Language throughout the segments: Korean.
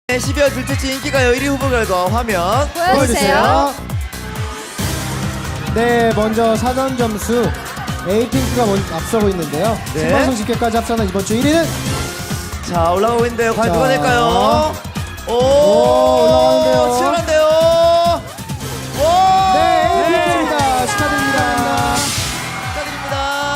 12월 둘째 주 인기가요 1위 후보 결과 화면 보여주세요. 네, 먼저 사전 점수 에이핑크가 앞서고 있는데요. 네. 생방송 집계까지 합산한 이번 주 1위는 자 올라가고 있는데요. 과연 자. 누가 될까요? 오, 올라가는데요. 치열한데요. 오, 네, 에이핑크입니다. 축하드립니다. 축하드립니다.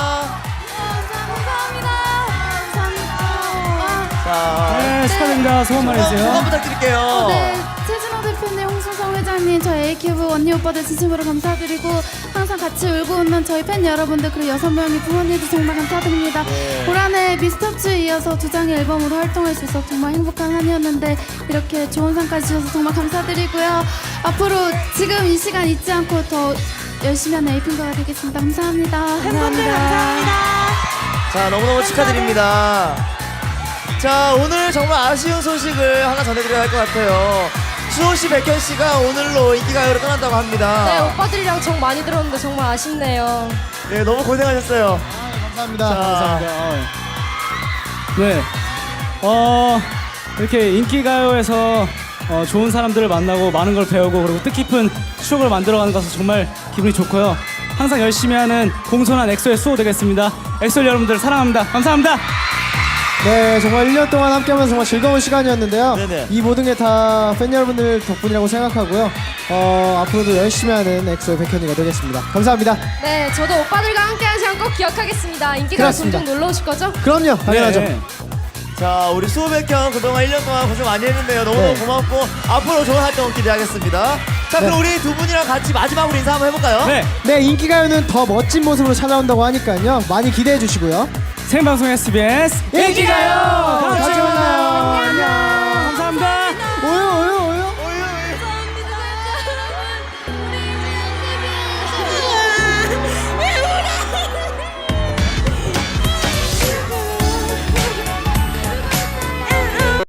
감사합니다. 자, 네, 축하드립니다. 소감 말해주세요. 소감 부탁드릴게요. 네, 최진호 대표님, 홍순성 회장님, 저희 A큐브 언니 오빠들 진심으로 감사드리고 항상 같이 울고 웃는 저희 팬 여러분들 그리고 6명의 부모님도 정말 감사드립니다. 올 한해 미스터츠에 이어서 2장의 앨범으로 활동할 수 있어서 정말 행복한 한 해였는데 이렇게 좋은 상까지 주셔서 정말 감사드리고요. 앞으로 지금 이 시간 잊지 않고 더 열심히 하는 에이핑크가 되겠습니다. 감사합니다. 감사합니다. 자 너무너무 축하드립니다. 자 오늘 정말 아쉬운 소식을 하나 전해드려야 할 것 같아요. 수호씨, 백현씨가 오늘로 인기가요로 떠난다고 합니다. 네, 오빠들이랑 정 많이 들었는데 정말 아쉽네요. 네, 너무 고생하셨어요. 감사합니다. 자, 네, 이렇게 인기가요에서 좋은 사람들을 만나고 많은 걸 배우고 그리고 뜻깊은 추억을 만들어가는 것은 정말 기분이 좋고요. 항상 열심히 하는 공손한 엑소의 수호 되겠습니다. 엑소 여러분들 사랑합니다. 감사합니다. 네, 정말 1년 동안 함께하면서 정말 즐거운 시간이었는데요. 네네. 이 모든 게 다 팬 여러분들 덕분이라고 생각하고요. 앞으로도 열심히 하는 엑소의 백현이가 되겠습니다. 감사합니다. 네, 저도 오빠들과 함께한 시간 꼭 기억하겠습니다. 인기가 그렇습니다. 종종 놀러 오실 거죠? 그럼요, 당연하죠. 네. 자 우리 수호, 백현 그동안 1년 동안 고생 많이 했는데요. 너무너무 네. 고맙고 앞으로 좋은 활동 기대하겠습니다. 자 그럼 우리 두 분이랑 같이 마지막으로 인사 한번 해볼까요? 네, 네, 인기가요는 더 멋진 모습으로 찾아온다고 하니까요. 많이 기대해 주시고요. 생방송 SBS 인기가요. 다음 주에 만나요.